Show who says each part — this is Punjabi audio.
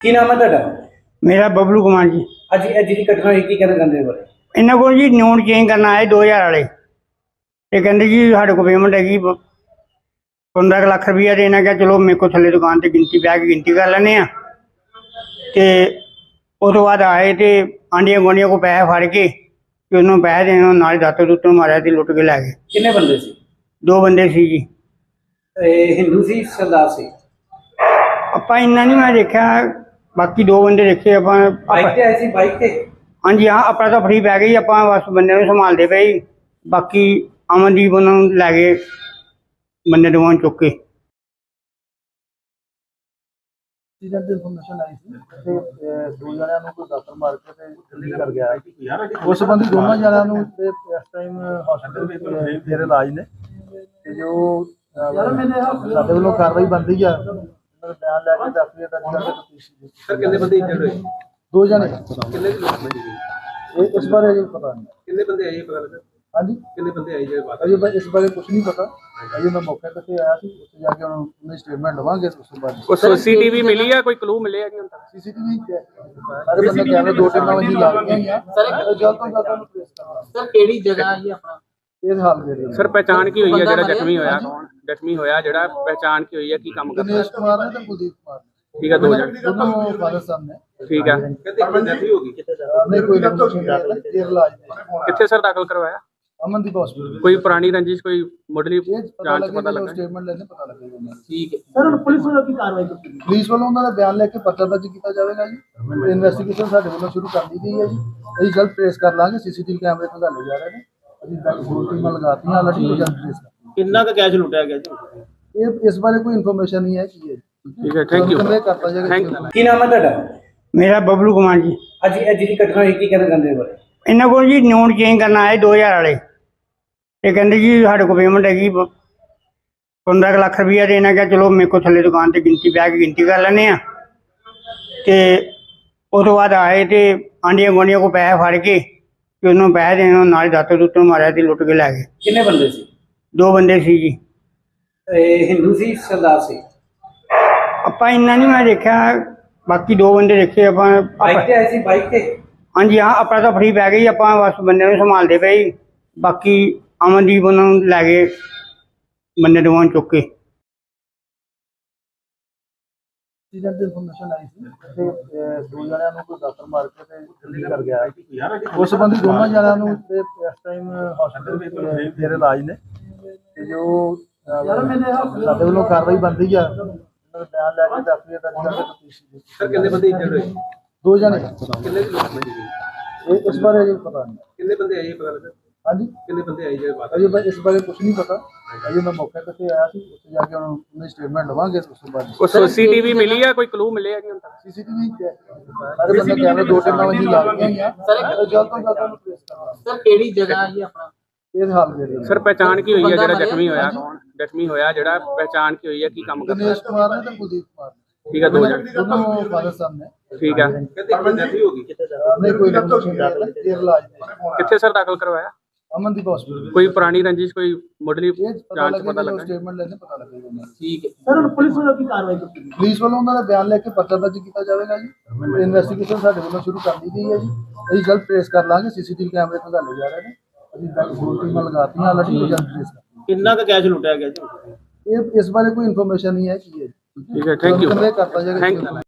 Speaker 1: ਕੀ ਨਾਮ ਹੈ ਤੁਹਾਡਾ?
Speaker 2: मेरा बबलू कुमार जी।
Speaker 1: ਅੱਜ ਇਹ ਜਿਹੜੀ ਘਟਨਾ ਹੋਈ ਕੀ ਕਹਿਣਾ ਚਾਹੁੰਦੇ ਹੋ ਬਾਰੇ?
Speaker 2: इन्हों को जी नोट चेंज करना आए 2000 वाले। ये कहते जी साढ़े को पेमेंट हैगी 15 लाख रुपया देना। क्या चलो मेरे को थले दुकान से गिनती ब्याह की गिनती कर लेने। तो उस तो बाद आए तो आंडिया गुआढ़िया को पैसे फड़ के उन्होंने पैसे देने नाल दातों दुतों मारिया तो लुट के लै गए।
Speaker 1: ਕਿੰਨੇ ਬੰਦੇ ਸੀ?
Speaker 2: 2 बंदे सी जी।
Speaker 1: ਇਹ ਹਿੰਦੂ ਸੀ ਸਰਦਾਰ ਸੀ?
Speaker 2: ਆਪਾਂ ਇੰਨਾ नहीं मैं देखा, बाकी 2 बंदे देखे ਆਪਾਂ।
Speaker 1: ਬਾਈਕ ਤੇ ਆਏ ਸੀ? ਬਾਈਕ ਤੇ?
Speaker 2: हाँ जी हाँ, अपना तो फ्री पै गई। आप बस बंदे संभालते पे ही, बाकी अमनदीप उन्होंने लै गए बंदे दोवां चुक के।
Speaker 3: ਇਨਫੋਰਮੇਸ਼ਨ ਆਈ ਸੀ ਤੇ 2 ਜਣਿਆਂ ਨੂੰ ਕੋਈ ਦਾਤਰ ਮਾਰ ਕੇ ਤੇ ਦਿੱਲੀ ਕਰ ਗਿਆ। ਉਸ ਸੰਬੰਧੀ ਦੋਨਾਂ ਜਣਿਆਂ ਨੂੰ ਤੇ ਇਸ ਟਾਈਮ ਹਸਪੀਟਲ ਵਿੱਚ ਮੇਰੇ ਇਲਾਜ ਨੇ ਤੇ ਜੋ ਸਾਡੇ ਵੱਲੋਂ ਕਾਰਵਾਈ ਬਣਦੀ ਆ ਉਹਨਾਂ ਦਾ ਬਿਆਨ ਲੈ ਕੇ ਦੱਸ ਦਿਆ ਤਾਂ
Speaker 1: ਸਰ ਕਿੰਨੇ ਬੰਦੇ ਇੰਜਰਡ ਹੋਏ?
Speaker 3: 2 ਜਣੇ
Speaker 1: ਕਿੰਨੇ ਲੋਕ
Speaker 3: ਇਸ ਬਾਰੇ ਅਜੇ ਪਤਾ ਨਹੀਂ।
Speaker 1: ਕਿੰਨੇ ਬੰਦੇ ਆਏ ਪਤਾ ਲੱਗਾ?
Speaker 3: ਹਾਂਜੀ,
Speaker 1: ਕਿੰਨੇ ਬੰਦੇ ਆਏ ਜਿਹੜੇ ਬਾਤ?
Speaker 3: ਅਜੇ ਇਸ ਬਾਰੇ ਕੁਝ ਨਹੀਂ ਪਤਾ। ਅਜੇ ਮੈਂ ਮੌਕੇ ਤੇ ਆਇਆ ਸੀ, ਉੱਥੇ ਜਾ ਕੇ ਉਹਨਾਂ ਦੀ ਸਟੇਟਮੈਂਟ ਲਵਾਂਗੇ। ਉਸ ਤੋਂ ਬਾਅਦ
Speaker 4: ਕੋਈ ਸੀਸੀਟੀਵੀ ਮਿਲੀ ਆ, ਕੋਈ ਕਲੂ ਮਿਲੇ ਆ ਜੀ ਹੁਣ ਤੱਕ?
Speaker 3: ਸੀਸੀਟੀਵੀ ਸਾਰੇ ਬੰਦੇ ਕੈਮਰੇ 2 ਟੀਮਾਂ ਵਿੱਚ ਲਾ ਰਹੀਆਂ ਆ। ਸਰ ਜਲਦ ਤੋਂ ਜਲਦ ਉਹਨੂੰ ਟ੍ਰੇਸ ਕਰਨਾ।
Speaker 5: ਸਰ ਕਿਹੜੀ ਜਗ੍ਹਾ ਜੀ ਆਪਣਾ
Speaker 3: ਇਹ ਹਾਲ ਦੇ ਰਹੇ
Speaker 4: ਸਰ ਪਹਿਚਾਣ ਕੀ ਹੋਈ ਹੈ ਜਿਹੜਾ ਜ਼ਖਮੀ ਹੋਇਆ? ਕੌਣ ਜ਼ਖਮੀ ਹੋਇਆ ਜਿਹੜਾ ਪਹਿਚਾਣ ਕੀ ਹੋਈ ਹੈ? ਕੀ ਕੰਮ ਕਰਦਾ?
Speaker 3: ਦਿਨੇਸ਼ ਕੁਮਾਰ ਨੇ ਤੇ ਕੁਲਦੀਪ ਕੁਮਾਰ ਨੇ।
Speaker 4: ਠੀਕ ਹੈ, 2 ਜਣੇ।
Speaker 3: ਦੋਨੋਂ ਫਾਦਰ ਸਾਹਿਬ ਨੇ।
Speaker 4: ਠੀਕ ਹੈ,
Speaker 1: ਕਹਿੰਦੇ ਡੈਥ ਹੋ ਗਈ?
Speaker 3: ਨਹੀਂ ਕੋਈ ਨਹੀਂ ਇਲਾਜ
Speaker 4: ਕਿੱਥੇ ਸਰ ਦਾਖਲ ਕਰਵਾਇਆ?
Speaker 3: ਅਮਨਦੀਪ ਹਸਪੀਟਲ।
Speaker 4: ਕੋਈ ਪੁਰਾਣੀ ਰੰਜਿਸ਼, ਕੋਈ ਮੁੱਢਲੀ ਜਾਂਚ ਪਤਾ ਲੱਗਾ?
Speaker 3: ਸਟੇਟਮੈਂਟ ਲੈਣੇ ਪਤਾ ਲੱਗੇਗਾ।
Speaker 5: ਠੀਕ ਹੈ ਸਰ, ਹੁਣ ਪੁਲਿਸ ਵੱਲੋਂ ਕੀ ਕਾਰਵਾਈ ਕੀਤੀ?
Speaker 3: ਪੁਲਿਸ ਵੱਲੋਂ ਉਹਨਾਂ ਦਾ ਬਿਆਨ ਲੈ ਕੇ ਪਰਚਾ ਦਰਜ ਕੀਤਾ ਜਾਵੇਗਾ ਜੀ। ਇਨਵੈਸਟੀਗੇਸ਼ਨ ਸਾਡੇ ਵੱਲੋਂ ਸ਼ੁਰੂ ਕਰ ਦਿੱਤੀ ਗਈ ਹੈ ਜੀ। ਅਸੀਂ ਜਲਦ ਟ੍ਰੇਸ ਕਰ ਲਾਂਗੇ। ਸੀਸੀਟੀਵੀ ਕੈਮਰੇ ਖੰਗਾਲੇ ਜਾ ਰਹੇ ਨੇ। ਅਸੀਂ ਬੈਕ ਫੋਰ ਟੀਮਾਂ ਲਗਾਤੀਆਂ, ਹਾਲਾਂਕਿ ਜਲਦ ਟ੍ਰੇਸ ਕਰਾਂਗੇ।
Speaker 5: ਕਿੰਨਾ ਕੁ ਕੈਸ਼ ਲੁੱਟਿਆ ਗਿਆ ਜੀ?
Speaker 3: ਇਹ ਇਸ ਬਾਰੇ ਕੋਈ ਇਨਫੋਰਮੇਸ਼ਨ ਨਹੀਂ ਹੈ ਕੀ ਹੈ।
Speaker 4: ਠੀਕ ਹੈ, ਥੈਂਕ ਯੂ।
Speaker 3: ਕਰਤਾ ਜਾਏਗਾ।
Speaker 4: Thank you.
Speaker 1: ਕੀ ਨਾਮ ਹੈ ਤੁਹਾਡਾ?
Speaker 2: मेरा बबलू कुमार जी।
Speaker 1: ਅੱਜ ਇਹ ਜਿਹੜੀ ਘਟਨਾ ਹੋਈ ਕੀ ਕਹਿਣਾ ਚਾਹੁੰਦੇ ਹੋ ਬਾਰੇ?
Speaker 2: इन्हों को जी नोट चेंज करना आए 2000 वाले। ये कहते जी साढ़े को पेमेंट हैगी 15 लाख रुपया देना। क्या चलो मेरे को थले दुकान से गिनती ब्याह की गिनती कर लेने। तो उस तो बाद आए तो आंडिया गुआढ़िया को पैसे फड़ के उन्होंने पैसे देने नाल दातों दुतों मारिया तो लुट के लै गए।
Speaker 1: ਕਿੰਨੇ ਬੰਦੇ ਸੀ?
Speaker 2: 2 बंदे सी जी।
Speaker 1: ਇਹ ਹਿੰਦੂ ਸੀ ਸਰਦਾਰ ਸੀ?
Speaker 2: ਆਪਾਂ ਇੰਨਾ नहीं मैं देखा, बाकी 2 बंदे देखे ਆਪਾਂ।
Speaker 1: ਬਾਈਕ ਤੇ ਆਏ ਸੀ? ਬਾਈਕ ਤੇ?
Speaker 2: हाँ जी हाँ, अपना तो फ्री पै गई। आप बस बंदे संभालते पे ही, बाकी अमनदीप उन्होंने लै गए बंदे दोवां चुक के।
Speaker 3: ਇਨਫੋਰਮੇਸ਼ਨ ਆਈ ਸੀ ਤੇ 2 ਜਣਿਆਂ ਨੂੰ ਕੋਈ ਦਾਤਰ ਮਾਰ ਕੇ ਤੇ ਦਿੱਲੀ ਕਰ ਗਿਆ। ਉਸ ਸੰਬੰਧੀ ਦੋਨਾਂ ਜਣਿਆਂ ਨੂੰ ਤੇ ਇਸ ਟਾਈਮ ਹਸਪੀਟਲ ਵਿੱਚ ਮੇਰੇ ਇਲਾਜ ਨੇ ਤੇ ਜੋ ਸਾਡੇ ਵੱਲੋਂ ਕਾਰਵਾਈ ਬਣਦੀ ਆ ਉਹਨਾਂ ਦਾ ਬਿਆਨ ਲੈ ਕੇ ਦੱਸ ਦਿਆ ਤਾਂ
Speaker 1: ਸਰ ਕਿੰਨੇ ਬੰਦੇ ਇੰਜਰਡ ਹੋਏ?
Speaker 3: 2 ਜਣੇ
Speaker 1: ਕਿੰਨੇ ਲੋਕ
Speaker 3: ਇਸ ਬਾਰੇ ਅਜੇ ਪਤਾ ਨਹੀਂ।
Speaker 1: ਕਿੰਨੇ ਬੰਦੇ ਆਏ ਪਤਾ ਲੱਗਾ?
Speaker 3: ਹਾਂਜੀ,
Speaker 1: ਕਿੰਨੇ ਬੰਦੇ ਆਏ ਜਿਹੜੇ ਬਾਤ?
Speaker 3: ਅਜੇ ਇਸ ਬਾਰੇ ਕੁਝ ਨਹੀਂ ਪਤਾ। ਅਜੇ ਮੈਂ ਮੌਕੇ ਤੇ ਆਇਆ ਸੀ, ਉੱਥੇ ਜਾ ਕੇ ਉਹਨਾਂ ਦੀ ਸਟੇਟਮੈਂਟ ਲਵਾਂਗੇ। ਉਸ ਤੋਂ ਬਾਅਦ
Speaker 4: ਕੋਈ ਸੀਸੀਟੀਵੀ ਮਿਲੀ ਆ, ਕੋਈ ਕਲੂ ਮਿਲੇ ਆ ਜੀ ਹੁਣ ਤੱਕ?
Speaker 3: ਸੀਸੀਟੀਵੀ ਸਾਰੇ ਬੰਦੇ ਕੈਮਰੇ 2 ਟੀਮਾਂ ਵਿੱਚ ਲਾ ਰਹੀਆਂ ਆ। ਸਰ ਜਲਦ ਤੋਂ ਜਲਦ ਉਹਨੂੰ ਟ੍ਰੇਸ ਕਰਨਾ।
Speaker 5: ਸਰ ਕਿਹੜੀ ਜਗ੍ਹਾ ਜੀ ਆਪਣਾ?
Speaker 3: ਇਹ ਹਾਲ ਦੇ ਰਹੇ
Speaker 4: ਸਰ ਪਹਿਚਾਣ ਕੀ ਹੋਈ ਹੈ ਜਿਹੜਾ ਜ਼ਖਮੀ ਹੋਇਆ? ਕੌਣ ਜ਼ਖਮੀ ਹੋਇਆ ਜਿਹੜਾ ਪਹਿਚਾਣ ਕੀ ਹੋਈ ਹੈ? ਕੀ ਕੰਮ ਕਰਦਾ?
Speaker 3: ਦਿਨੇਸ਼ ਕੁਮਾਰ ਨੇ ਤੇ ਕੁਲਦੀਪ ਕੁਮਾਰ ਨੇ।
Speaker 4: ਠੀਕ ਹੈ, 2 ਜਣੇ।
Speaker 3: ਦੋਨੋਂ ਫਾਦਰ ਸਾਹਿਬ ਨੇ।
Speaker 4: ਠੀਕ ਹੈ,
Speaker 1: ਕਹਿੰਦੇ ਡੈਥ ਹੋ ਗਈ?
Speaker 3: ਨਹੀਂ ਕੋਈ ਨਹੀਂ ਇਲਾਜ
Speaker 4: ਕਿੱਥੇ ਸਰ ਦਾਖਲ ਕਰਵਾਇਆ?
Speaker 3: ਅਮਨਦੀਪ ਹਸਪੀਟਲ।
Speaker 4: ਕੋਈ ਪੁਰਾਣੀ ਰੰਜਿਸ਼, ਕੋਈ ਮੁੱਢਲੀ ਜਾਂਚ ਪਤਾ ਲੱਗਾ?
Speaker 3: ਸਟੇਟਮੈਂਟ ਲੈਣੇ ਪਤਾ ਲੱਗੇਗਾ।
Speaker 5: ਠੀਕ ਹੈ ਸਰ, ਹੁਣ ਪੁਲਿਸ ਵੱਲੋਂ ਕੀ ਕਾਰਵਾਈ ਕੀਤੀ?
Speaker 3: ਪੁਲਿਸ ਵੱਲੋਂ ਉਹਨਾਂ ਦਾ ਬਿਆਨ ਲੈ ਕੇ ਪਰਚਾ ਦਰਜ ਕੀਤਾ ਜਾਵੇਗਾ ਜੀ। ਇਨਵੈਸਟੀਗੇਸ਼ਨ ਸਾਡੇ ਵੱਲੋਂ ਸ਼ੁਰੂ ਕਰ ਦਿੱਤੀ ਗਈ ਹੈ ਜੀ। ਅਸੀਂ ਜਲਦ ਟ੍ਰੇਸ ਕਰ ਲਾਂਗੇ। ਸੀਸੀਟੀਵੀ ਕੈਮਰੇ ਖੰਗਾਲੇ ਜਾ ਰਹੇ ਨੇ। ਅਸੀਂ ਬੈਕ ਫੋਰ ਟੀਮਾਂ ਲਗਾਤੀਆਂ, ਹਾਲਾਂਕਿ ਜਲਦ ਟ੍ਰੇਸ ਕਰਾਂਗੇ।
Speaker 5: ਕਿੰਨਾ ਕੁ ਕੈਸ਼ ਲੁੱਟਿਆ ਗਿਆ ਜੀ?
Speaker 3: ਇਹ ਇਸ ਬਾਰੇ ਕੋਈ ਇਨਫੋਰਮੇਸ਼ਨ ਨਹੀਂ ਹੈ ਕੀ ਹੈ।
Speaker 4: ਠੀਕ ਹੈ, ਥੈਂਕ ਯੂ।
Speaker 3: ਕਰਤਾ ਜਾਏਗਾ।
Speaker 4: Thank you.